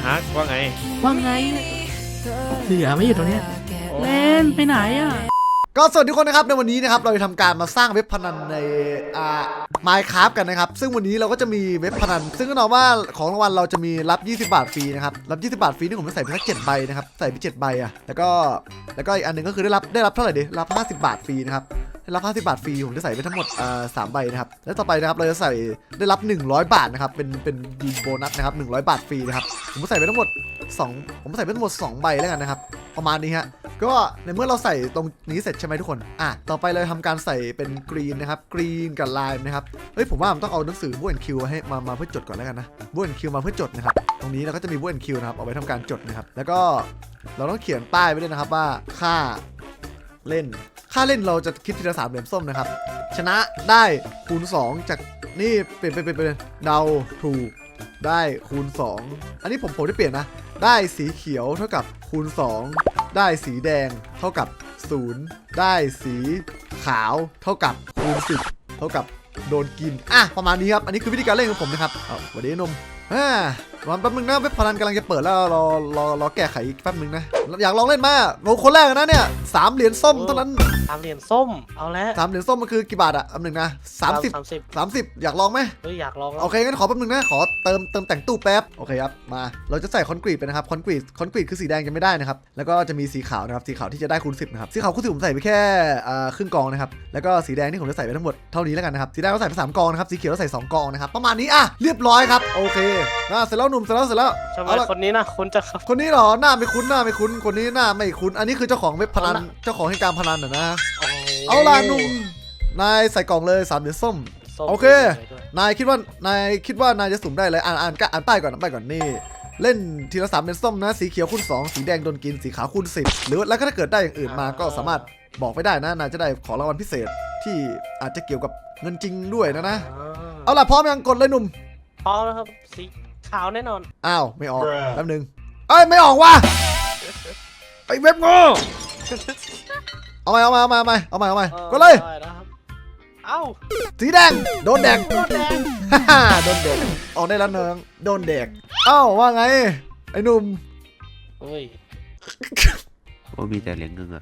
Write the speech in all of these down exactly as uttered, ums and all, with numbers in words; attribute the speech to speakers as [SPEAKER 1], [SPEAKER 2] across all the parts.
[SPEAKER 1] ฮักว่าไง
[SPEAKER 2] ว่าไงเหลือไม่อยู่ตรงเนี้ยเล่นไปไหนอ่ะ
[SPEAKER 3] ก็สวัสดีทุกคนนะครับในวันนี้นะครับเราจะทำการมาสร้างเว็บพนันในอ่า Minecraft กันนะครับซึ่งวันนี้เราก็จะมีเว็บพนันซึ่งก็แน่ว่าของรางวัลเราจะมีรับยี่สิบบาทฟรีนะครับรับยี่สิบบาทฟรีที่ผมจะใส่ไปสักเจ็ดใบนะครับใส่ไปเจ็ดใบอ่ะแล้วก็แล้วก็อีกอันนึงก็คือได้รับได้รับเท่าไหร่ดิรับห้าสิบบาทฟรีนะครับได้รับห้าสิบบาทฟรีผมจะใส่ไปทั้งหมดอ่าสามใบนะครับแล้วต่อไปนะครับเราจะใส่ได้รับหนึ่งร้อยบาทนะครับเป็นเป็นดีโบนัสนะครับหนึ่งร้อยบาทฟรีนะครับผมจะใส่ไปทั้งหมดสองผมใส่ไปทั้งหมดสองใบแล้วกันนะครับประมาณนี้ฮะก็ในเมื่อเราใส่ตรงนี้เสร็จใช่ไหมทุกคนอ่ะต่อไปเลยทำการใส่เป็นกรีนนะครับกรีนกับไลน์นะครับเฮ้ยผมว่าผมต้องเอาหนังสือบูแอนคิวให้มามาเพื่อจดก่อนแล้วกันนะบูแอนคิวมาเพื่อจดนะครับตรงนี้เราก็จะมีบูแอนคิวนะครับเอาไว้ทำการจดนะครับแล้วก็เราต้องเขียนป้ายไว้ด้วยนะครับว่าค่าเล่นค่าเล่นเราจะคิดทีละสามเหรียญส้มนะครับชนะได้คูณสองจากนี่เปลี่ยนเป็นเป็นเดาถูกได้คูณสองอันนี้ผมผมได้เปลี่ยนนะได้สีเขียวเท่ากับคูณสองได้สีแดงเท่ากับศูนย์ได้สีขาวเท่ากับคูณสิบเท่ากับโดนกินอ่ะประมาณนี้ครับอันนี้คือวิธีการเล่นของผมนะครับเอาสวัสดีนมอ่าวันแป๊บนึงนะเว็บพนันกำลังจะเปิดแล้วรอรอรอแก้ไขอีกแป๊บนึงนะอยากลองเล่นมาโอ้คนแรกนะเนี่ยสามเหรียญส้มเท่านั้น
[SPEAKER 4] สามเหรียญส้มเอาแล้ว
[SPEAKER 3] สามเหรียญส้มมันคือกี่บาทอะแป๊บนึงนะสามสิบสามสิบอยากลองไหม
[SPEAKER 4] เฮ้ยอยากลอง
[SPEAKER 3] โอเคงั้นขอแป๊บนึงนะขอเติมเติมแต่งตู้แป๊บโอเคครับมาเราจะใส่คอนกรีตไปนะครับคอนกรีตคอนกรีตคือสีแดงยังไม่ได้นะครับแล้วก็จะมีสีขาวนะครับสีขาวที่จะได้คูณสิบนะครับสีขาวคูณสิบผมใส่ไปแค่ครึ่งกองนะครับแล้วก็สีแดงที่ผมจะใส่ไปทั้งหมดเท่านี้แล้วกันนะครับสีแดงเราใส่ไปสามกองนะครับสีเขียวเราใส่สองกองนะครับประมาณนี้อ่ะเรียบร้อยครับโอเคนะเสร็จแล้วหนุ่มเสร็จแล้วเสร็จแล้ว
[SPEAKER 4] ทำไมคนนี้นะคุณจะครับ
[SPEAKER 3] คนนี้เหรอหน้าไม่คุ้นหน้าไม่คุ้นคนนี้หน้าไม่คุ้นอันนี้คือเจ้าของเว็บพนันเจ้าของให้การพนันนะนะเอาล่ะหนุ่มนายใส่กล่องเลยสามเหรียญส้มโอเคนายคิดว่านายคิดว่านายจะสุ่มได้เลยอ่านอ่านอ่านป้ายก่อนอ่านป้ายก่อนนี่เล่นทีละสามเหรียญส้มนะสีเขียวคูณสองสีแดงโดนกินสีขาวคูณสิบหรือแล้วก็ถ้าเกิดได้อย่างอื่นมาก็สามารถบอกไปได้นะนายจะได้ของรางวัลพิเศษที่อาจจะเกี่ยวกับเงินจริงด้วยนะนะเอาล่ะพร้อมยังกดเลยหนุ่ม
[SPEAKER 4] พร้อมแล้วครับสีขาวแน่นอน
[SPEAKER 3] อ้าวไม่ออกแป๊บนึงเอ้ยไม่ออกว่ะไอเว็บงอเอาใหม่เอาใหม่เอาใหม่เอาใหม่เอาใหม่เอาใหม่ก็เลย
[SPEAKER 4] เอ้า
[SPEAKER 3] สีแดงโดนแดง
[SPEAKER 4] โดนแดง
[SPEAKER 3] ฮ่าโดนแดงออกได้แล้วเนืองโดนแดงเอ้าว่าไงไอ้หนุ่ม
[SPEAKER 4] โอ้ย
[SPEAKER 1] ว่ามีแต่เหรียญเงินอะ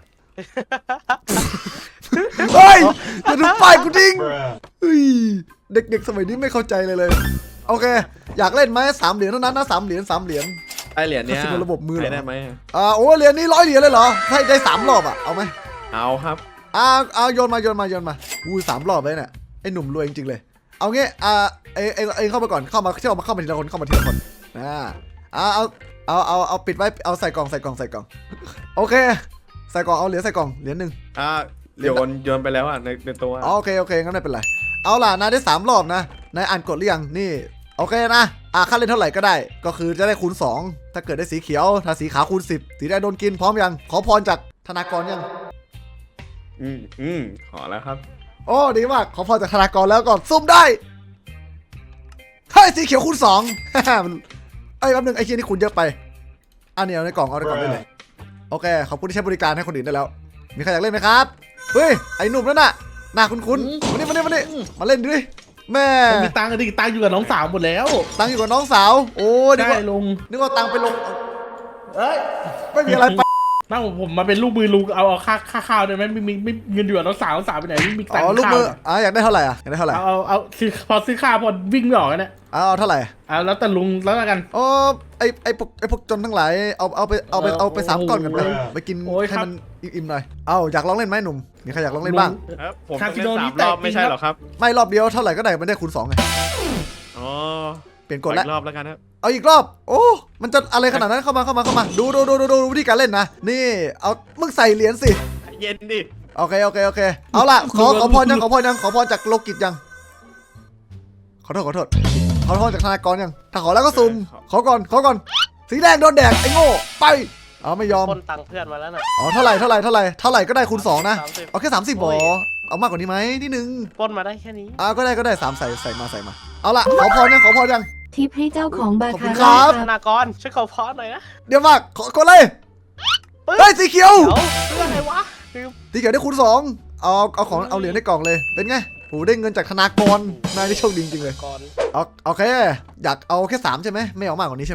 [SPEAKER 3] เฮ้ยจะดูป้ายกูดิ้งเฮ้ยเด็กๆสมัยนี้ไม่เข้าใจเลยเลยโอเคอยากเล่นไหมสามเหรียญเท่านั้นนะสามเหรียญสามเหรียญ
[SPEAKER 1] ไอเหรียญเนี้ย
[SPEAKER 3] ระบบมือ
[SPEAKER 1] ได้ไหม
[SPEAKER 3] อ่าโอ้เหรียญนี้ร้อยเหรียญเลยเหรอให้ได้สามรอบอ่ะเอาไหม
[SPEAKER 1] เอาครับ
[SPEAKER 3] อ่าเอาโยนมาโยนมาโยนมาอู้สามรอบเลยเนี่ยไอ้หนุ่มรวยจริงๆเลยเอางี้อ่าเอเอเอเข้ามาก่อนเข้ามาเข้ามาเข้ามาทีละคนเข้ามาทีละคนอ่าเอาเอาเอาเอาเอาปิดไว้เอาใส่กล่องใส่กล่องใส่กล่องโอเคใส่กล่องเอาเหรียญใส่กล่องเหรียญหนึ่ง
[SPEAKER 1] อ่าโยนโยนไปแล้วอ่ะในในตัว
[SPEAKER 3] โอเคโอเคงั้นไม่เป็นไรเอาล่ะนายได้สามรอบนะนายอ่านกดหรือยังนี่โอเคนะอ่าค่าเล่นเท่าไหร่ก็ได้ก็คือจะได้คูณสองถ้าเกิดได้สีเขียวถ้าสีขาวคูณสิบสีแดงโดนกินพร้อมยังขอพรจากธนากรยัง
[SPEAKER 1] อืมอืมขอแล้วครับ
[SPEAKER 3] โอ้ดีมากขอพรจากธนากรแล้วก่อนซุ่มได้เฮ้ยสีเขียวคูณสองไอ้แป๊บนึงไอ้เคียนี่คูณเยอะไปอันนี้เอาในกล่องเอาในกล่องได้เลยโอเคขอบคุณที่ใช้บริการให้คนอื่นได้แล้วมีใครอยากเล่นไหมครับเฮ้ยไอ้หนุ่มนั่นน่ะหน้าคุ้นๆมานี่มานี่มานี่มาเล่นดิแม่
[SPEAKER 2] มีตังค์ดิตังค์อยู่กับน้องสาวหมดแล้ว
[SPEAKER 3] ตังค์อยู่กับน้องสาวโอ้
[SPEAKER 2] ได้ลง
[SPEAKER 3] นึกว่าตังค์ไปลงเอ้ยไม่มีอะไรไป
[SPEAKER 2] นั่งผมมาเป็นลูกมือลุงเอาเอาค่าค่าข้าวได้ไหมไม่มีไม่เงินอยู่กับน้องสาวน้องสาวไปไหนไม่มีตังค์
[SPEAKER 3] อ๋อลูกมืออ่ะอยากได้เท่าไหร่อ่ะอยากได้เท่าไหร่
[SPEAKER 2] เอาเอาซื้อพอซื้อข้าวพอวิ่งไม่ออกเนี่ย
[SPEAKER 3] เอาเท่าไหร่
[SPEAKER 2] เอาแล้วแต่ลุงแล้วกัน
[SPEAKER 3] อ๋อไอไอพวกไอพวกจนทั้งหลายเอาเอาไปเอาไปเอาไปสามก้อนกันไปไปกินให้มันอิ่มๆหน่อยเอาอยากลองเล่นไหมหนุ่มมีใครอยากลองเล่นบ้าง
[SPEAKER 1] ผมต้องเล่นสามรอบไม่ใช่หรอครับ
[SPEAKER 3] ไม่รอบเดียวเท่าไหร่ก็ได้ไม่ได้คูณสองไง
[SPEAKER 1] อ๋อ
[SPEAKER 3] เปลี่ยนกฎแล้ว
[SPEAKER 1] รอบแล้วกันครับ
[SPEAKER 3] เอาอีกรอบโอ้มันจะอะไรขนาดนั้นเข้ามาเข้ามาเข้ามาดูดูดูดูดูวิธีการเล่นนะนี่เอามึงใส่เหรียญสิ
[SPEAKER 1] เย็นดิ
[SPEAKER 3] โอเคโอเคโอเคเอาล่ะขอขอพรยังขอพรยังขอพรจากโลกิจยังขอโทษขอโทษขอพรจากธนากรยังถ้าขอแล้วก็ซุ่มขอก่อนขอก่อนสีแดงโดนแดกไอ้โง่ไปเอาไม่ยอม
[SPEAKER 4] คนตังเพื่อนมาแล้วน่ะ
[SPEAKER 3] อ๋อเท่าไหร่เท่าไหร่เท่าไหร่เท่าไหร่ก็ได้คูณสองนะเอาแค่สามสิบบอเอามากกว่านี้ไหมนิดนึง
[SPEAKER 4] ปนมาได้แค่นี้
[SPEAKER 3] อ่าก็ได้ก็ได้สามใส่ใส่มาใส่มาเอาล่ะขอพรยังขอพรยัง
[SPEAKER 5] ทิปให้เจ้าของบาคา
[SPEAKER 3] ร่า
[SPEAKER 4] ธนากรช่วยขอพรหน่อยนะ
[SPEAKER 3] เดี๋ยวมากขอกดเลยเฮ้ยสีเขียว
[SPEAKER 4] เรื่องอะไรวะ
[SPEAKER 3] สีเขียวได้คูณสองเอาเอาของเอาเหรียญในกล่องเลยเป็นไงโหได้เงินจากธนากรนายนี่โชคดีจริงเลยเอาโอเคอยากเอาแค่สามใช่ไหมไม่เอามากกว่านี้ใช่ไหม
[SPEAKER 1] อ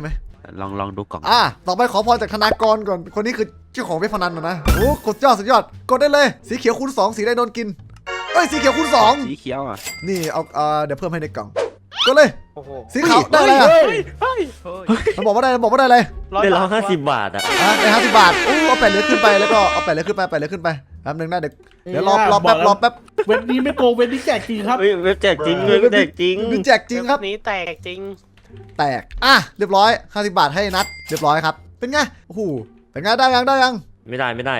[SPEAKER 6] ลองลองดูกล่อง
[SPEAKER 3] อ่ะต่อไปขอพรจากธนากรก่อนคนนี้คือเจ้าของเว็บพนันนะนะโอ้กดยอดสุดยอดกดได้เลยสีเขียวคูณสองสีแดงโดนกินเอ้ยสีเขียวคูณสอง
[SPEAKER 6] สีเขียวอ่ะ
[SPEAKER 3] นี่เอาเอ่อเดี๋ยวเพิ่มให้ในกล่องกดเลย
[SPEAKER 4] โอ้โห
[SPEAKER 3] สีขาวได้อะไรอ่ะ
[SPEAKER 4] เฮ้ยเฮ้ย
[SPEAKER 3] มันบอกว่าได้มันบอกว่าได้อะไร
[SPEAKER 6] ได้ร้อยห้าสิบบาทอ่ะ
[SPEAKER 3] อ่ะได้ห้าสิบบาทอู้เอาแปดเหรียญขึ้นไปแล้วก็เอาแปดเหรียญขึ้นไปแปดเหรียญขึ้นไปแป๊บนึงนะเดี๋ยวเดี๋ยวรอรอแป๊บรอแป๊บ
[SPEAKER 2] เว็บนี้ไม่โกงเว็บนี้แจกจริงครับ
[SPEAKER 6] เฮ้ยเว็บแจกจริงเว็บแจกจริง
[SPEAKER 3] มีแจกจริงครับ
[SPEAKER 4] นี้แตกจริง
[SPEAKER 3] แตกอ่ะเรียบร้อยห้าสิบบาทให้นัดเรียบร้อยครับเป็นไงโอ้โหเป็นไงได้ยังได้ยัง
[SPEAKER 6] ไม่ได้ไม่ได้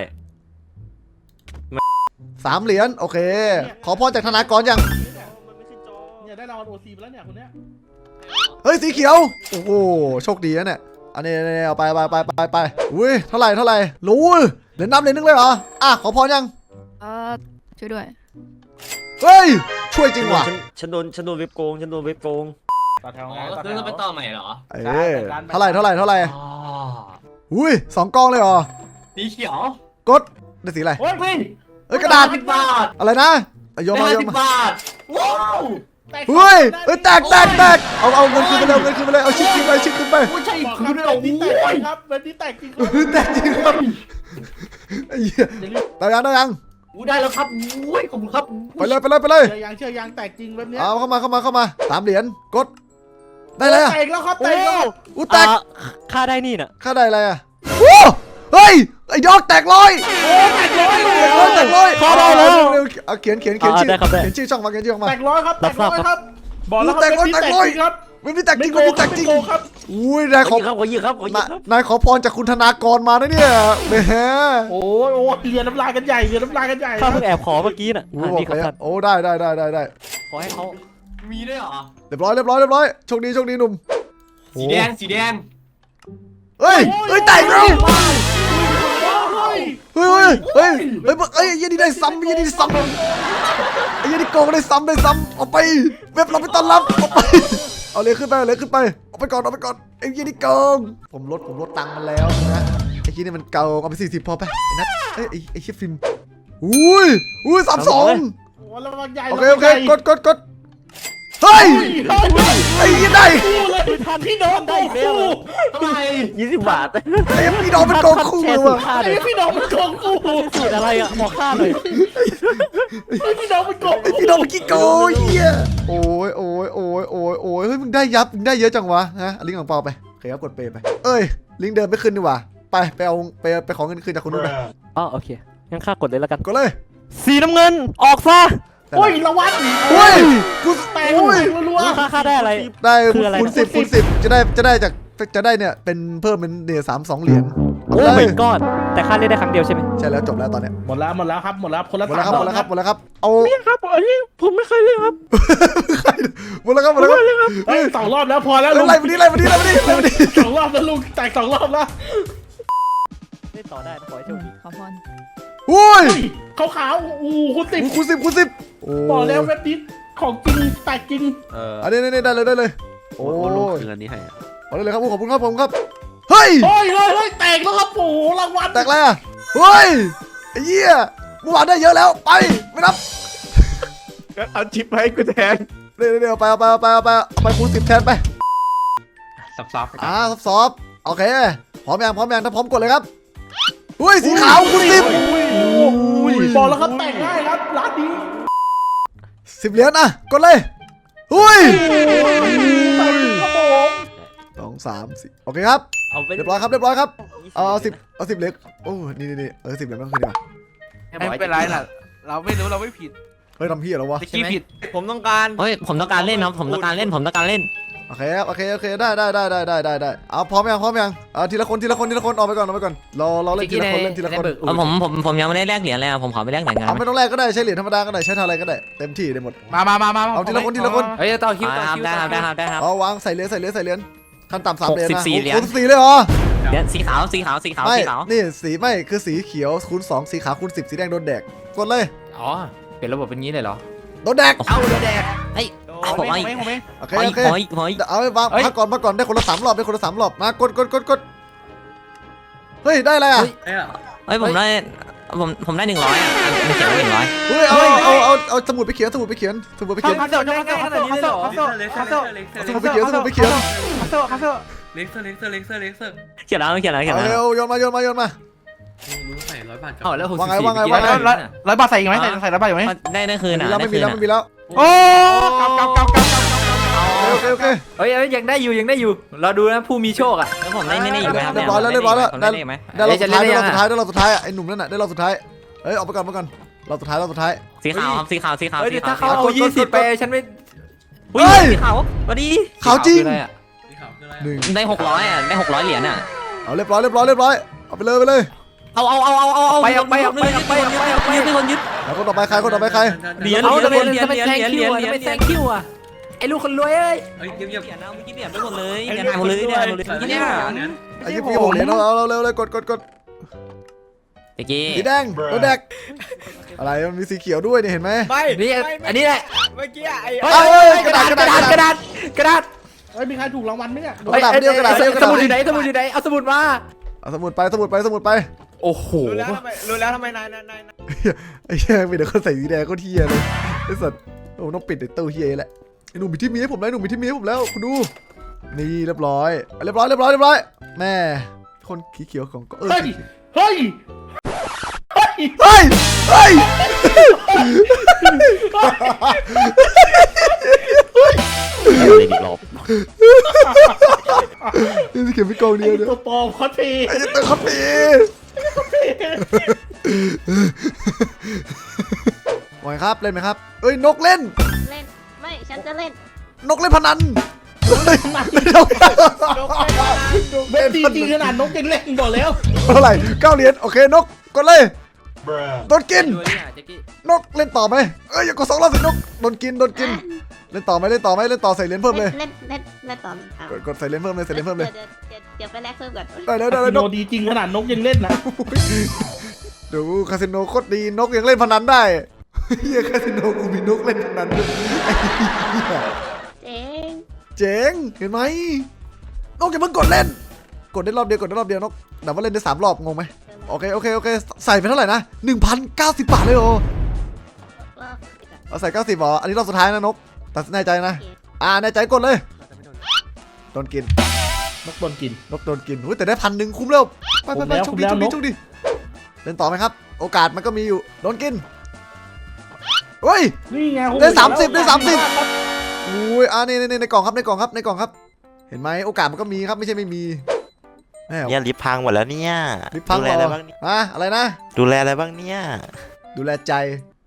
[SPEAKER 3] สามเหรียญโอเค ขอพรจากธนากรยัง
[SPEAKER 2] เนี่ยได้รางวัลโอซีไปแล้วเนี่ยคนเนี้ย
[SPEAKER 3] เฮ้ยสีเขียวโอ้โหโชคดีนะเนี่ยอันนี้ๆเอาไปไปไปไปไปอุ้ยเท่าไหร่เท่าไหร่รู้เหรียญนับเหรียญนึงเลยเหรออ่ะขอพรยัง
[SPEAKER 5] เออช่วยด้วย
[SPEAKER 3] เฮ้ยช่วยจริงว่ะ
[SPEAKER 6] ฉันฉันโดนฉันโดนเว็บโกงฉันโดนเว็บโกง
[SPEAKER 2] ต่อแถว
[SPEAKER 7] อ๋
[SPEAKER 2] ไง
[SPEAKER 7] อ
[SPEAKER 2] ต่อแถ
[SPEAKER 7] คือ
[SPEAKER 2] ว
[SPEAKER 7] ต้องไปต่อใหม่เหรอ
[SPEAKER 3] เออเท่าไหร่เท่าไหร่เท่าไหร่
[SPEAKER 7] อ๋อ
[SPEAKER 3] อุ้ยสองกองเลยเหรอ
[SPEAKER 7] สีเขียว
[SPEAKER 3] กดได้สีอะไร
[SPEAKER 2] โอ้ย
[SPEAKER 7] เฮ้ย
[SPEAKER 3] เอ้ยกระดาษ
[SPEAKER 7] สิบบาท
[SPEAKER 3] อะไรนะเอาโยนมา
[SPEAKER 7] ได้
[SPEAKER 3] โยน
[SPEAKER 7] สิบ
[SPEAKER 3] มา
[SPEAKER 7] บาท ว้าว
[SPEAKER 3] เฮ้ยเฮ้ยแตกแตกแตกเอาเอาเงินคืนไปเลยเอาเงินคืนไปเลยเอาชิปคืนไปชิปคืนไป
[SPEAKER 7] ไม่ใช่
[SPEAKER 2] บอกค
[SPEAKER 7] คื
[SPEAKER 2] รับ
[SPEAKER 7] อ
[SPEAKER 2] เว็
[SPEAKER 7] เรา
[SPEAKER 2] บนี้แตกจ
[SPEAKER 7] โอ้
[SPEAKER 2] ริ
[SPEAKER 7] ย
[SPEAKER 2] งครับเว็บนี้แตกจริงครับ
[SPEAKER 3] เฮ้ยแตกจริงครับไอ้เหี้ยได้ยังได้ยัง
[SPEAKER 7] อู้ได้แล้วครับอุ้ยขอบคุณครับ
[SPEAKER 3] ไปเลยไปเลยไปเลย
[SPEAKER 2] เชื่อยังเชื่อยังแตกจริงเว็บเนี้ย
[SPEAKER 3] เอาเข้ามาเข้ามาเข้ามาสามเหรียญกดได้เลยอะ
[SPEAKER 2] แตกแล้วครับแตกแล้ว
[SPEAKER 3] อู้แตก
[SPEAKER 6] ค่าได้นี่น่ะ
[SPEAKER 3] ค่าได้อะไรอะโอ้เฮ้ยไอ้ดอกแตกร้อย
[SPEAKER 2] โอ้แตกร้อยเลย
[SPEAKER 3] แตกร้อยแตกร้อย
[SPEAKER 6] ค่าได้แล้ว
[SPEAKER 3] เร็วๆเอาเขียนเขียนเขียนชื่อ
[SPEAKER 6] ได้ครับได้
[SPEAKER 3] เขียนชื่อช่องมาเขียนชื่อช่องมา
[SPEAKER 2] แตกร้อยครับแตกร้อยครับบอกแล้วครับ
[SPEAKER 3] แตกร้อย
[SPEAKER 2] เว็บนี้
[SPEAKER 3] แตกร้อย
[SPEAKER 2] จริงครับ
[SPEAKER 3] ไม่มีแตกจ
[SPEAKER 2] ไม่
[SPEAKER 3] ริง
[SPEAKER 2] โก
[SPEAKER 3] ไม่
[SPEAKER 2] ง
[SPEAKER 3] มี
[SPEAKER 2] ค
[SPEAKER 3] แต
[SPEAKER 2] รับ
[SPEAKER 3] กจ
[SPEAKER 2] ไม่
[SPEAKER 3] ริง
[SPEAKER 2] โกงครับ
[SPEAKER 3] อุ้ยนายข
[SPEAKER 6] ข
[SPEAKER 3] อ
[SPEAKER 6] อยิงครับขอยิงครับขอยิง
[SPEAKER 3] นาย
[SPEAKER 6] ครับ
[SPEAKER 3] นายขอพรจากคุณธนากรมานะเนี่ยแหม
[SPEAKER 2] โอ้ยโอ้ยเรียนน้ำลายกันใหญ่เรียนน้ำลายกันใหญ่
[SPEAKER 6] ข้าเพิ่งแอบขอเมื่อกี้น่ะ
[SPEAKER 3] โอ้
[SPEAKER 6] อ่ะ
[SPEAKER 3] บอ
[SPEAKER 6] นี่
[SPEAKER 3] ก
[SPEAKER 6] ครับ
[SPEAKER 3] เลย
[SPEAKER 6] ท่าน
[SPEAKER 3] โอ้ได้ได้ได้ได้ได้
[SPEAKER 6] ขอให้เขา
[SPEAKER 7] มีด้วยเหรอ
[SPEAKER 3] เรียบร้อยเรียบร้อยเรียบร้อยโชคดีโชคดีหนุ่ม
[SPEAKER 7] สีแดง สีแดง
[SPEAKER 3] เฮ้ยเฮ้ยแตกแล้ว
[SPEAKER 2] โอ้ย
[SPEAKER 3] เฮ้ยเฮ้ยเฮ้ยเฮ้ยเฮ้ยไอ้ยี่นี่ได้ซ้ำไอ้ยี่นี่ได้ซ้ำไอ้ยี่นี่โกงได้ซ้ำได้ซ้ำเอาไปเว็บเราไปต้อนรับเอาไปเอาเลยขึ้นไปเอาเลยขึ้นไปเอาไปก่อนเอาไปก่อนไอ้ยี่นี่โกงผมลดผมลดตังค์มันแล้วนะไอ้ยี่นี่มันเก่าเอาไปสี่สิบพอไปไอ้นัทเอ้ยไอ้ไอ้ชิฟฟิล์มอุ้ยอุ้ยสามสอง
[SPEAKER 2] โอ้ยระวังใหญ่
[SPEAKER 3] โอเคโอเคกดกดกดเฮ้ยไอ้ยี่ได้
[SPEAKER 2] คู่เลยทันพี่น้องได้คู่
[SPEAKER 7] ทำไม
[SPEAKER 6] ยี่สิบบาท
[SPEAKER 3] ไอ้พี่น้องเป็นโกงคู่เลยว่ะ
[SPEAKER 6] ค่า
[SPEAKER 2] ไอ้
[SPEAKER 6] เลย
[SPEAKER 2] พี่น้องมันโกงคู่
[SPEAKER 6] สูตรอะไรอ่ะบอกค่าเลย
[SPEAKER 2] ไอ้พี่น้องมันโกง
[SPEAKER 3] ไอ้พี่น้องเมื่อกี้โกงเฮียโอ้ยโอ้ยโอ้ยโอ้ยโอ้ยเฮ้ยมึงได้ยับมึงได้เยอะจังวะฮะเอาลิงก์ของเปาไปโอเคครับกดเปย์ไปเอ้ยลิงก์เดิมไม่ขึ้นดีกว่าไปไปเอาไปไปขอเงินคืนจากคนนู้นไป
[SPEAKER 6] อ๋อโอเคงั้นข้ากดเลยแล้วกัน
[SPEAKER 3] กดเลย
[SPEAKER 6] สีน้ำเงินออกซะ
[SPEAKER 2] โอ้ยระวัง
[SPEAKER 3] โอ้ยกู
[SPEAKER 2] แตก
[SPEAKER 3] โอ้ย
[SPEAKER 2] รัว
[SPEAKER 6] ค่าค่าได้อะไร
[SPEAKER 3] ได้
[SPEAKER 6] คืออะไรนะ
[SPEAKER 3] คูณสิบคูณสิบจะได้จะได้จากจะได้เนี่ยเป็นเพิ่มเป็นเนี่ยสามสองเหรียญ
[SPEAKER 6] โอ้ my god แต่ค่าเล่นได้ครั้งเดียวใช่ไหม
[SPEAKER 3] ใช่แล้วจบแล้วตอนเนี้ย
[SPEAKER 2] หมดแล้วหมดแล้วครับหมดแล้วคนละ
[SPEAKER 3] หมดแล้วครับหมดแล้วครับหมดแล้วครับเอา
[SPEAKER 6] ครับอันนี้ผมไม่เคยเล่นครับ
[SPEAKER 3] หมดแล้วครับหมดแล้วครับ
[SPEAKER 2] เฮ้ยสองรอบแล้วพอแล้วลุง
[SPEAKER 3] ไล่มาดิไล่มาดิไล่มาดิไล่มาดิ
[SPEAKER 2] สองรอบแล้วลุงแตกสองรอบแล้ว
[SPEAKER 6] เล่นต่อได้นะขอให้โชคดี
[SPEAKER 5] ขอพร
[SPEAKER 3] โอ้ย
[SPEAKER 2] ขาวขาวๆอู้คุณติด
[SPEAKER 3] คูณสิบคูณสิบโอ้
[SPEAKER 2] บอกแล้วเว็บนี้ของจริงแตกจริง
[SPEAKER 6] เออ
[SPEAKER 3] อันนี้นี่ได้เลยได้เลยโอ้
[SPEAKER 6] โอ้ลุง
[SPEAKER 3] ย
[SPEAKER 6] คืนอันนี้ให้อะ
[SPEAKER 3] เอาได้เลยครับขอบคุณครับผมครับเฮ้ย
[SPEAKER 2] เฮ้ยเฮ้ยเฮ้ยแตกแล้วครับโอ้โหรางวัล
[SPEAKER 3] แตกอะไรอ่ะเฮ้ยไอ้เหี้ยเมื่อวานได้เยอะแล้วไปไม่นับ
[SPEAKER 1] เอาชิปให้กูแทน
[SPEAKER 3] เดี๋ยวเดี๋ยวไปเอาไปเอาไปเอาไปเอาไปคูณสิบแทนไป
[SPEAKER 7] ซับซับๆไปก่อน
[SPEAKER 3] อ่าซอฟๆโอเคพร้อมยังพร้อมยังถ้าพร้อมกดเลยครับอุ้ยสีขาวคูณสิบ
[SPEAKER 2] บอกแล้วครับแตกง่ายครับร้านนี้
[SPEAKER 3] สิบเหรียญอ่ะกดเลยอุ้ย
[SPEAKER 2] แตกครับผม
[SPEAKER 3] สองสามสี่โอเคครับ
[SPEAKER 6] เอาไป
[SPEAKER 3] เรียบร้อยครับเรียบร้อยครับเอาสิบเอาสิบเหรียญโอ้นี่นี่นี่เออสิบเหรียญต้องคืนดีกว่า
[SPEAKER 8] ไม่เป็นไรน่ะ เราไม่รู้เราไม่ผิด
[SPEAKER 3] เฮ้ยทำพี่เหรอวะ
[SPEAKER 8] ตะกี้ผิด
[SPEAKER 1] ผมต้องการ
[SPEAKER 9] เฮ้ยผมต้องการเล่นครับผมต้องการเล่นผมต้องการเล่น
[SPEAKER 3] โอเคครับโอเคโอเคได้ได้ได้ได้ได้ได้ได้เอาพร้อมยังพร้อมยังเอาทีละคนทีละคนทีละคนออกไปก่อนออกไปก่อนรอรอเล่นทีละคนเล่นทีละคน
[SPEAKER 9] เอาผมผมผมยังไม่ได้แลกเหรียญเลยอะผมขอไปแลกเหรียญกัน
[SPEAKER 3] เอาไม่ต้องแลกก็ได้ใช้เหรียญธรรมดาก็ได้ใช้ทำอะไรก็ได้เต็มที่ได้หมด
[SPEAKER 8] มามามามา
[SPEAKER 3] เอาทีละคนทีละคน
[SPEAKER 8] เฮ้ยต่อคิวต่อ
[SPEAKER 9] ครับ
[SPEAKER 8] คิว
[SPEAKER 9] ได้ครับได้ครับได้ครับ
[SPEAKER 3] เอาวางใส่เหรียญใส่เหรียญใส่เหรียญขั้นต่ำสามเหรียญนะ
[SPEAKER 9] หกสิบสี่เหรียญ
[SPEAKER 3] หกสิบสี่เลยเหรอ
[SPEAKER 9] เหรียญสีขาวสีขาวสีขาว
[SPEAKER 3] ไม่
[SPEAKER 9] สีขาว
[SPEAKER 3] นี่สีไม่คือสีเขียวคูณสองสีขาวคูณสิบสีแดงโดนแดกกดเลย
[SPEAKER 8] อ๋อเปลี่ยนระบบเป็นงี้เลยเหรอ
[SPEAKER 3] โดนแดก
[SPEAKER 9] เอาแดกเฮ้ยเอาผม
[SPEAKER 8] ไม่
[SPEAKER 9] ไอ้
[SPEAKER 8] ไม่ไม่
[SPEAKER 3] โอเค
[SPEAKER 9] ขอ
[SPEAKER 3] โอ
[SPEAKER 9] อีก
[SPEAKER 3] เค
[SPEAKER 9] ขออีกขออีก
[SPEAKER 3] เอาไปวาง
[SPEAKER 8] เฮ้ย
[SPEAKER 3] พักก่อนพักก่อนได้คนละสามรอบได้คนละสามรอบมากดกดกดกดเฮ้ยได้อะไรอ่ะ
[SPEAKER 9] เฮ้ยผมได้ผมผมได้หนึ่งร้อยอ่ะไม่เขียนว่าหนึ่งร้อย
[SPEAKER 3] เฮ้ยเอาเอาเอาเอาสมุดไปเขียนสมุดไปเขียนสมุดไปเขียน
[SPEAKER 8] คาเซลคาเซลคาเซลคาเซลคาเซลคาเซล
[SPEAKER 3] สมุดไปเขียนสมุดไปเขียน
[SPEAKER 8] คาเซลคาเซลเล็กเซอร์เล็กเซอร์เล็กเซอร์เล็กเซอร์
[SPEAKER 9] เขียนแล้วเขียนแล้วเขียน
[SPEAKER 3] เอา
[SPEAKER 9] แล้ว
[SPEAKER 3] เร็วโยนมาโยนมาโยนมา
[SPEAKER 7] รู้ใส่ร้อยบาทกับ
[SPEAKER 8] อ๋อแล้วหกสิ
[SPEAKER 3] ว่า
[SPEAKER 8] บ
[SPEAKER 3] ไง
[SPEAKER 8] สี่
[SPEAKER 3] ว่าไง
[SPEAKER 8] เมื่อกี้
[SPEAKER 3] ว่าไง
[SPEAKER 2] ร้อยร้อยบาทใส่อีกไหมใส่ใส่ร้อยบาทอีกไหม
[SPEAKER 9] ได้ได้คืน
[SPEAKER 3] มี
[SPEAKER 9] อ่ะ
[SPEAKER 3] แล้ว
[SPEAKER 9] ได้
[SPEAKER 3] ไม่มี
[SPEAKER 9] คืน
[SPEAKER 3] แล้ว
[SPEAKER 9] อ่ะ
[SPEAKER 3] ไม่มีแล้ว
[SPEAKER 2] โอ้กำกำกำกำกำ
[SPEAKER 3] โอเคโอเค
[SPEAKER 8] เฮ้ยเอ้ยยังได้อยู่ยังได้อยู่เราดูนะผู้มีโชคอ่ะ
[SPEAKER 9] แล้วผมได้นี่นี่อยู่ไหมครับ
[SPEAKER 3] เรียบร้อยแล้วเรียบร้อยแล้ว
[SPEAKER 9] ผมได้นี่ไหม
[SPEAKER 3] ได้รอบ
[SPEAKER 8] จะ
[SPEAKER 3] สุด
[SPEAKER 8] เล่
[SPEAKER 3] ท้าย
[SPEAKER 8] น
[SPEAKER 3] ได้
[SPEAKER 8] ได้
[SPEAKER 3] รอบ
[SPEAKER 8] ยัง
[SPEAKER 3] สุดท้ายได้รอบสุดท้ายไอ้หนุ่มนั่นน่ะได้รอบสุดท้ายเฮ้ยออกไปก่อนไปก่อนรอบสุดท้ายรอบสุดท้าย
[SPEAKER 9] สีขาวครับสีขาวสีขาว
[SPEAKER 8] เฮ้ย
[SPEAKER 9] สี
[SPEAKER 8] เดี๋ยวถ้า
[SPEAKER 9] ขาว
[SPEAKER 8] เขาเอายี่สิบไปฉันไม่
[SPEAKER 9] เฮ้ยสีขาวสวัสดี
[SPEAKER 3] ขาวจริง
[SPEAKER 8] คืออะไรอ่ะ
[SPEAKER 7] สีขาวคืออะไร
[SPEAKER 3] หนึ่ง
[SPEAKER 9] ได้หกร้อยอ่ะได้หกร้อยเหรียญอ่ะ
[SPEAKER 3] เอาเรียบร้อยเรียบร้อยเรียบร้อยเอาไปเลยไปเลย
[SPEAKER 9] เอาเอาเอาเอาเอาเอา
[SPEAKER 8] ไปเอาไปเอาไปเอาไปเอาไปเอาไป
[SPEAKER 9] ยึดคนยึด
[SPEAKER 3] แล้วคนต่อไปใครคนต่อไปใคร
[SPEAKER 9] เหรียญ
[SPEAKER 8] เอา
[SPEAKER 9] เหรียญ
[SPEAKER 8] ทำไม
[SPEAKER 9] เหรียญ
[SPEAKER 8] ทำไม
[SPEAKER 9] เหรียญ
[SPEAKER 8] แซง
[SPEAKER 9] เหรียญ
[SPEAKER 8] คิว
[SPEAKER 9] เหรียญ
[SPEAKER 8] อ่ะทำไมแซงคิวอ่ะไอ้ลูกคนรวยเอ้ย
[SPEAKER 7] เฮ้ยเงียบเงียบ
[SPEAKER 9] เหรียญเอาเมื่อกี้เหรียญไปหมดเลยเหรียญหายหมดเลยเหรียญหายหมดเลย
[SPEAKER 7] ใส่
[SPEAKER 9] เนี่ย
[SPEAKER 7] เนี่ย
[SPEAKER 3] ไอ้ยี่ปีหกเหรียญเอาเอาเร็วเลยกดกดกด
[SPEAKER 9] เมื่อกี้
[SPEAKER 3] สีแดงรถแดกอะไรมันมีสีเขียวด้วยเนี่ยเห็นไหม
[SPEAKER 8] นี่อันนี้แหละ
[SPEAKER 6] เมื่อกี้ไอ้
[SPEAKER 8] เฮ้ยเฮ้ยกระดาษกระดาษกระดาษกระดาษ
[SPEAKER 2] เฮ้ยมีใครถูกรางวัลไหมเนี่ย
[SPEAKER 3] กระดาษเดียวกระดาษเดียวกระ
[SPEAKER 8] ส
[SPEAKER 3] ดาษ
[SPEAKER 8] มุดอยู่ไหนสมุดอยู่ไหนเอาสมุดมา
[SPEAKER 3] เอาสมุดไปสมุดไปสมุดไป
[SPEAKER 8] โอ้โห
[SPEAKER 6] รู้แล้วทำไมรู้แล้วทำไมนายนายนาย
[SPEAKER 3] ไอ้เหี้ยมีแต่คนใส่สีแดงก็เทียเลยไอ้สัตว์โอ้ต้องปิดไอ้ตู้เฮียแหละไอ้หนุ่มมีที่มีให้ผมแล้วหนุ่มมีที่มีให้ผมแล้วคุณดูนี่เรียบร้อยเรียบร้อยเรียบร้อยเรียบร้อยแม่คนขีเขียวของก็เออ
[SPEAKER 2] เฮ้ยเฮ้ย
[SPEAKER 3] เฮ้ยเฮ้ย
[SPEAKER 9] เลยอีกรอบ
[SPEAKER 3] นี่สิเขียวไม่กองเดี
[SPEAKER 2] ไอ้
[SPEAKER 3] ยวเนี่ย
[SPEAKER 2] ตัวปลอมคอสเพย์
[SPEAKER 3] ไอ้ตัวคอปปี้ไหวครับเล่นไหมครับเอ้ยนกเล่น
[SPEAKER 5] เล่น ไม่ ฉันจะเล่น
[SPEAKER 3] นกเล่นพนันเฮ้ยนก
[SPEAKER 2] เว็บดีจริงขนาดนกยังเล่นบอกแล้ว
[SPEAKER 3] เท่าไหร่เก้าเหรียญโอเคนกกดเลยโดนกิน
[SPEAKER 8] ดูนี่อ่ะแจ็คกี้
[SPEAKER 3] นกเล่นต่อไหมเอ้ยอย่ากดสองรอบสินกโดนกินโดนกินเล่นต่อไหมเล่นต่อไหมเล่นต่อใส่เหรียญเพิ่มเลย
[SPEAKER 5] เล่น เล่น เล่นต่ออ่ะ
[SPEAKER 3] กดกดใส่เหรียญเพิ่มเลยใส่เหรียญเพิ่มเลย
[SPEAKER 5] ดี๋วเดี๋ยวเดี๋ยวไปแลกเพิ่มก่อน
[SPEAKER 3] ได้แล้วได้
[SPEAKER 2] คา
[SPEAKER 3] แล้ว
[SPEAKER 2] สิ
[SPEAKER 3] น
[SPEAKER 2] โน
[SPEAKER 3] ก
[SPEAKER 2] ดีจริงขนาดนกยังเล่นนะ
[SPEAKER 3] ดูคาสิโนโคตรดีนกยังเล่นพนันได้เฮียคาสิโนกูมีนกเล่นพนันด้วย
[SPEAKER 5] เจ๊ง
[SPEAKER 3] เจ๋งเห็นไหมนกอย่าเพิ่งกดเล่น กดได้รอบเดียวกดได้รอบเดียวนกแต่ว่าเล่นได้สามรอบงงไหมโอเคโอเคโอเคใส่ไปเท่าไหร่นะหนึ่งพันเก้าสิบบาทเลยโอ
[SPEAKER 5] ว่า
[SPEAKER 3] เอาใส่เก้าสิบเหรออันนี้รอบสุดท้ายนะนกตัดสินใจนะอ่าแน่ใจกดเลยโดนกิน
[SPEAKER 2] นกโดนกิน
[SPEAKER 3] นกโดนกินอุ้ยแต่ได้พันหนึ่งคุ้มแล้วไปไปไป
[SPEAKER 2] คุ้
[SPEAKER 3] โชค
[SPEAKER 2] ม
[SPEAKER 3] ดี
[SPEAKER 2] แล้ว
[SPEAKER 3] โชคดี
[SPEAKER 2] คุ้มแล้ว
[SPEAKER 3] โชคดีเล่นต่อไหมครับ โอกาสมันก็มีอยู่โดนกินเฮ้ย
[SPEAKER 2] นี่ไง
[SPEAKER 3] ได้สามสิบได้สามสิบ อุ้ยอ่านี่ในในกล่องครับในกล่องครับในกล่องครับ เห็นไหมโอกาสมันก็มีครับไม่ใช่ไม่มีแม่
[SPEAKER 10] เนี่ยลิฟต์พังหมดแล้วเนี่ย
[SPEAKER 3] ลิฟต์พัง
[SPEAKER 10] ดู
[SPEAKER 3] เห
[SPEAKER 10] แล
[SPEAKER 3] ร
[SPEAKER 10] อะไร
[SPEAKER 3] อ
[SPEAKER 10] บ้างเนี่ย
[SPEAKER 3] อะอะไรนะ
[SPEAKER 10] ดูแลอะไรบ้างเนี่ย
[SPEAKER 3] ดูแลใจ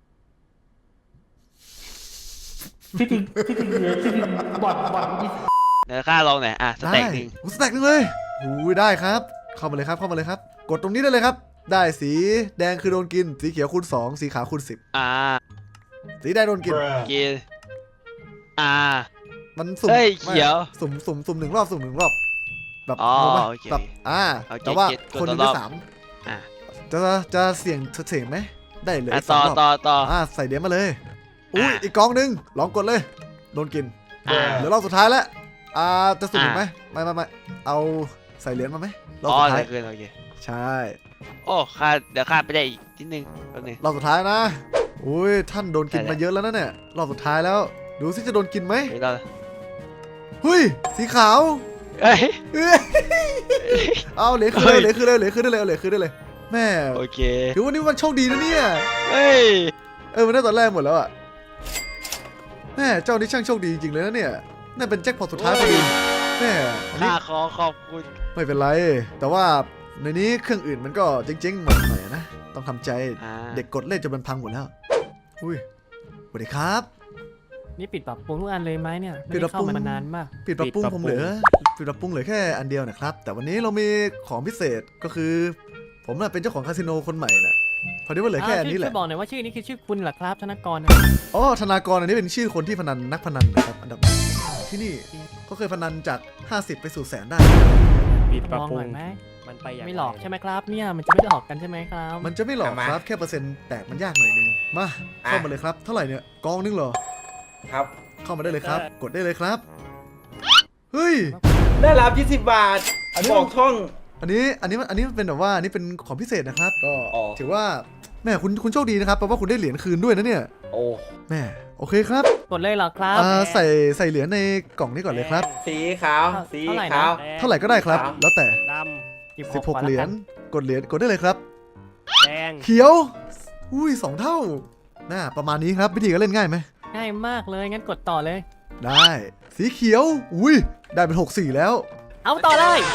[SPEAKER 2] ที่จริงที่จริงเลยที่จริงบอดบอดที่
[SPEAKER 7] เดี๋ยวข้าลองหน่อยอ่ะสเต็กหนึ่ง
[SPEAKER 3] โอ้สแต็กหนึงเลยอุ้ยได้ครับ เข้ามาเลยครับเข้ามาเลยครับ กดตรงนี้ได้เลยครับ ได้สีแดงคือโดนกิน สีเขียวคูณสองสีขาวคูณสิบ
[SPEAKER 7] อ่า
[SPEAKER 3] สีแดงโดนกิน
[SPEAKER 7] กินอ่า
[SPEAKER 3] มันสุ่ม
[SPEAKER 7] เฮ้ย
[SPEAKER 3] ไม่
[SPEAKER 7] เขียว
[SPEAKER 3] สุ่มสุ่มสุ่มหนึ่งรอบสุ่มหนึ่งรอบแบบ
[SPEAKER 7] อ๋อง
[SPEAKER 3] งปะ
[SPEAKER 7] โอเค
[SPEAKER 3] แบบอ่า
[SPEAKER 7] โอเค
[SPEAKER 3] แต่ว่า
[SPEAKER 7] เก็ต
[SPEAKER 3] คนหนึง
[SPEAKER 7] กดต่
[SPEAKER 3] ได้
[SPEAKER 7] อรอบ
[SPEAKER 3] สาม
[SPEAKER 7] อ่ะ
[SPEAKER 3] จะจะเสี่ยงเสี่ยงไหมได้เลย
[SPEAKER 7] อ่ะ
[SPEAKER 3] สอ
[SPEAKER 7] ต่อง
[SPEAKER 3] รอบ
[SPEAKER 7] ต่อต่อ
[SPEAKER 3] อ่าใส่เหรียญมาเลยอุ้ย
[SPEAKER 7] อ่ะ
[SPEAKER 3] อีกกองหนึงลองกดเลยโดนกิน
[SPEAKER 7] อ่า
[SPEAKER 3] เหลือรอบสุดท้ายแล้วอ่าจะสุ่มอีกไหม
[SPEAKER 7] อ่ะ
[SPEAKER 3] ไม่ไม่ไม่เอาใส่เหรียญมาไหมรอบ
[SPEAKER 7] อ๋อ
[SPEAKER 3] สุด
[SPEAKER 7] เหล
[SPEAKER 3] ท้าย
[SPEAKER 7] ยเกินโอเค
[SPEAKER 3] ใช่
[SPEAKER 7] โอ้ข้าเดี๋ยวข้าไปได้อีกนิดนึงแป๊บนึง
[SPEAKER 3] รอบสุดท้ายนะอุ้ยท่านโดนกิน
[SPEAKER 7] ใช่แล้ว
[SPEAKER 3] มาเยอะแล้วนะเนี่ยรอบสุดท้ายแล้ว ดูสิจะโดนกินไหม
[SPEAKER 7] เดี๋ยวเรา
[SPEAKER 3] เฮ้ยสีขาว
[SPEAKER 7] เอ้ย
[SPEAKER 3] เอ้ยเอาเหรียญคืนเลยเหรียญคืนเลยเหรียญคืนได้เลยเอาเหรียญคืนได้เลยแม่
[SPEAKER 7] โอเค
[SPEAKER 3] ถือว่านี่มันโชคดีนะเนี่ย
[SPEAKER 7] เฮ้ย
[SPEAKER 3] เออมันได้ตอนแรกหมดแล้วอ่ะแม่เจ้านี่ช่างโชคดีจริงๆเลยนะเนี่ยนั่นเป็นแจ็คพอตสุดท้ายพอดีแม่อันนี้
[SPEAKER 7] ข้าขอขอบคุณ
[SPEAKER 3] ไม่เป็นไร แต่ว่าในนี้เครื่องอื่นมันก็เจ๊งๆหมดหน่อยนะต้องทำใจ
[SPEAKER 7] อ่า
[SPEAKER 3] เด็กกดเล่นจนมันพังหมดแล้วอุ้ยสวัสดีครับ
[SPEAKER 6] นี่ปิดปรับปรุงทุกอันเลยไหมเนี่ย
[SPEAKER 3] ปิดปรับปรุง
[SPEAKER 6] ไม่ไเข้ามานานมาก
[SPEAKER 3] ปิดปรับปรุงผมเหลือปิดปรับปรุงเหลือแค่อันเดียวนะครับ แต่วันนี้เรามีของพิเศษก็คือ ผมน่ะเป็นเจ้าของคาสิโนคนใหม่น่ะพอดีว่าเหลือแค่อันนี้แห
[SPEAKER 6] ช่
[SPEAKER 3] ละ
[SPEAKER 6] วยบอกหน่อยว่าชื่อนี้คือชื่อคุณเหรอครับธนกร
[SPEAKER 3] อ๋อธนากรอันนี้เป็นชื่อคนที่พนันนักพนันนะครับอันดับหนึ่งที่นี่เขาเคยพนันจากห้าสิบไปสู่แสนได้
[SPEAKER 6] ปิดปรับปรุงไหม
[SPEAKER 9] มันไปอย่าง
[SPEAKER 6] ไม่หลอกใช่ไหมครับเนี่ยมันจะไม่หลอกกันใช่ไหมครับ
[SPEAKER 3] มันจะไม่หลอกครับแค่เปอร์เซ็นต์แตกมันยากหน่อยนึงมาเข้ามาเลยครับเท่าไหร่เนี่ยกองนึงเหรอ
[SPEAKER 8] ครับ
[SPEAKER 3] เข้ามาได้เลยครับ กดได้เลยครับเฮ้ย
[SPEAKER 8] ได้รับยี่สิบบาท
[SPEAKER 3] อันนี้
[SPEAKER 8] บอกช่อง
[SPEAKER 3] อันนี้อันนี้มันอันนี้มันเป็นแบบว่าอันนี้เป็นของพิเศษนะครับ ก็
[SPEAKER 8] อ๋อ
[SPEAKER 3] ถือว่าแม่คุณคุณโชคดีนะครับแปลว่าคุณได้เหรียญคืนด้วยนะเนี่ย
[SPEAKER 8] โอ้
[SPEAKER 3] แม่โอเคครับ
[SPEAKER 6] กดเลยเหรอครับ
[SPEAKER 3] อ่าใส่ใส่เหรียญในกล่องนี้ก่อนเลยครับ
[SPEAKER 8] สีขาว สี
[SPEAKER 6] เท่าไหร่นะ
[SPEAKER 8] ขาว
[SPEAKER 3] เท่าไหร่ก็ได้ครับ
[SPEAKER 8] ครับ
[SPEAKER 3] แล้วแต่
[SPEAKER 4] ด
[SPEAKER 6] หยิบ
[SPEAKER 3] สิบหก
[SPEAKER 6] ก่อน
[SPEAKER 3] เหรียญ
[SPEAKER 6] ละน
[SPEAKER 3] กดเหรียญกดได้เลยครับ
[SPEAKER 4] ำแดง
[SPEAKER 3] เขียว อุ้ยสองเท่าน่าประมาณนี้ครับวิธีการเล่นง่ายไหม
[SPEAKER 6] ง่ายมากเลยงั้นกดต่อเลย
[SPEAKER 3] ได้ สีเขียว อุ้ยได้เป็นหกสี่แล้ว
[SPEAKER 6] เอาต่อเลย